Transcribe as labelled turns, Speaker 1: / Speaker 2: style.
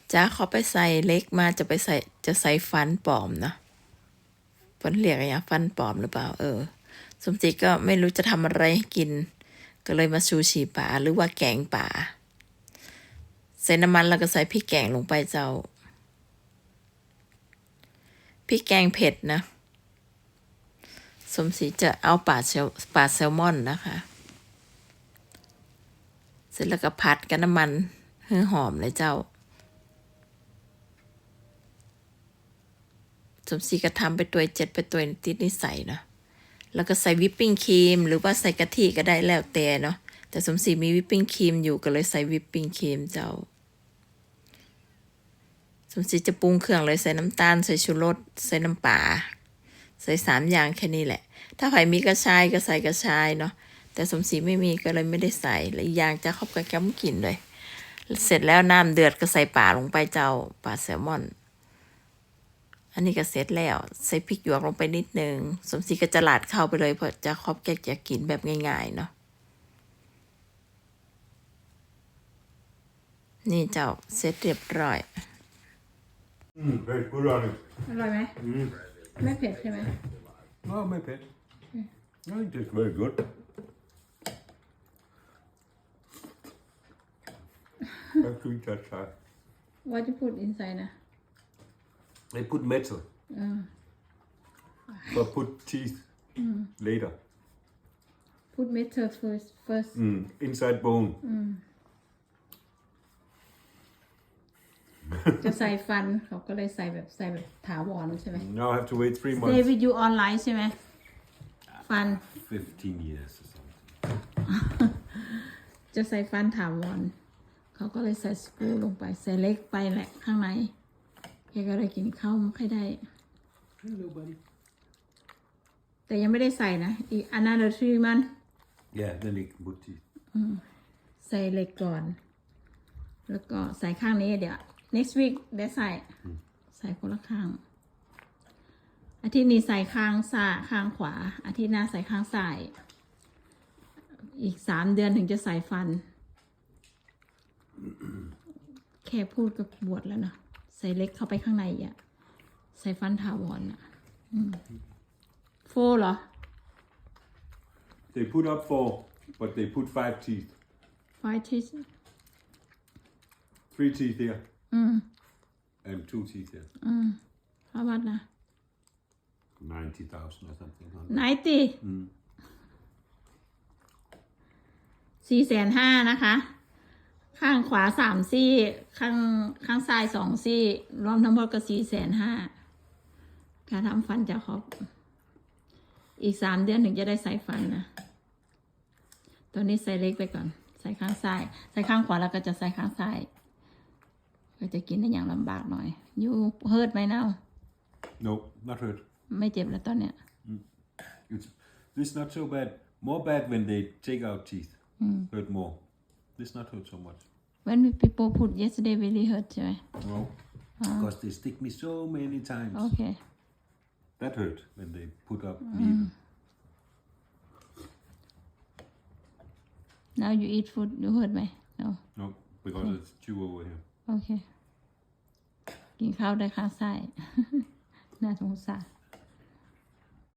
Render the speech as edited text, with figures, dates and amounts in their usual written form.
Speaker 1: จ้าเขาไปใส่เล็กมาจะใส่ฟันปลอมนะฟันเรียกอะไรอย่างฟันปลอมหรือเปล่าสมจิตก็ไม่รู้จะทำอะไรให้กินก็เลยมาซูชิป่าหรือว่าแกงป่าใส่น้ำมันแล้วก็ใส่พริกแกงลงไปเจ้าพริกแกงเผ็ดนะสมศรีจะเอาปลาแซลมอนนะคะเสร็จแล้วก็ผัดกับน้ำมันให้หอมเลยเจ้าสมศรีก็ทำไปตัว7ไปตัวติดนิสัยเนาะแล้วก็ใส่วิปปิ้งครีมหรือว่าใส่กะทิก็ได้แล้วแต่เนาะแต่สมศรีมีวิปปิ้งครีมอยู่ก็เลยใส่วิปปิ้งครีมเจ้าสมศรีจะปรุงเครื่องเลยใส่น้ำตาลใส่ชูรสใส่น้ำปลาใส่3อย่างแค่นี้แหละถ้าใครมีกระชายก็ใส่กระชายเนาะแต่สมศรีไม่มีก็เลยไม่ได้ใส่และอีกอย่างจะครอบกับแก้มกินเลยเสร็จแล้วน้ำเดือดก็ใส่ปลาลงไปเจ้าปลาแซลมอนอันนี้ก็เสร็จแล้วใส่พริกหยวกลงไปนิดนึงสมศรีก็จะหลาดเข้าไปเลยเพราะจะครอบแกจะกินแบบง่ายๆเนาะนี่เจ้าเสร็จเรียบร้อย
Speaker 2: Very good on it.
Speaker 3: อร่อยไหมไม่เผ็ดใช่ไหม
Speaker 2: No, my pet. No, it tastes very good. That's sweet, that's hard.
Speaker 3: What you put inside นะ
Speaker 2: They put metal. But put teeth later.
Speaker 3: put metal first
Speaker 2: Inside bone.
Speaker 3: จะใส่ฟันเขาก็เลยใส่แบบถาวรใช่ไหม
Speaker 2: Now I have to wait 3
Speaker 3: Stay
Speaker 2: months.
Speaker 3: with you online ใช่ไหมฟัน
Speaker 2: 15 years or something.
Speaker 3: จะใส่ฟันถาวรเขาก็เลยใส่สกรูลงไปใส่เล็กไปแหละข้างในแกก็เลยกินข้าวไม่ค่อยได้
Speaker 2: Hello, buddy.
Speaker 3: แต่ยังไม่ได้ใส่นะอีกanother 3 months
Speaker 2: Yeah, then they can put teeth.
Speaker 3: ใส่เหล็กก่อนแล้วก็ใส่ข้างนี้เดี๋ยว next week ได้ใส่คนละข้างอาทิตย์นี้ใส่ข้างซ้ายข้างขวาอาทิตย์หน้าใส่ข้างซ้ายอีก3 เดือนถึงจะใส่ฟันแค่พูดกับบวชแล้วเนาะใส่เล็กเข้าไปข้างในอ่ะใส่ฟันถาวรอ่ะโฟเหรอ
Speaker 2: They put up 4, but they put 5 teeth.
Speaker 3: 5 teeth
Speaker 2: 3 teeth here. And 2 teeth here.
Speaker 3: how much นะ
Speaker 2: 90,000 or something.
Speaker 3: 450,000นะคะข้างขวา3 ซี่ข้างซ้าย2 ซี่รวมทั้งหมดก็450,000การทำฟันจะครบอีก3 เดือนถึงจะได้ใส่ฟันนะตอนนี้ใส่เล็กไปก่อนใส่ข้างซ้ายใส่ข้างขวาแล้วก็จะใส่ข้างซ้ายก็จะกินได้อย่างลำบากหน่อยยูเฮิร์ตไหมเนา
Speaker 2: No, not hurt.
Speaker 3: ไม่เจ็บแล้วตอนเนี้ย
Speaker 2: This not so bad. More bad when they take out teeth. Hurt more. This not hurt so much.
Speaker 3: when people put yesterday really hurt ใช่ไหม
Speaker 2: No. Because they stick me so many times.
Speaker 3: โอเค
Speaker 2: That hurt when they put up needle.
Speaker 3: now you eat food you hurt ไหม no
Speaker 2: No, because it's chew over here.
Speaker 3: โอเคกินข้าวได้ข้างซ้าย น่าสงสาร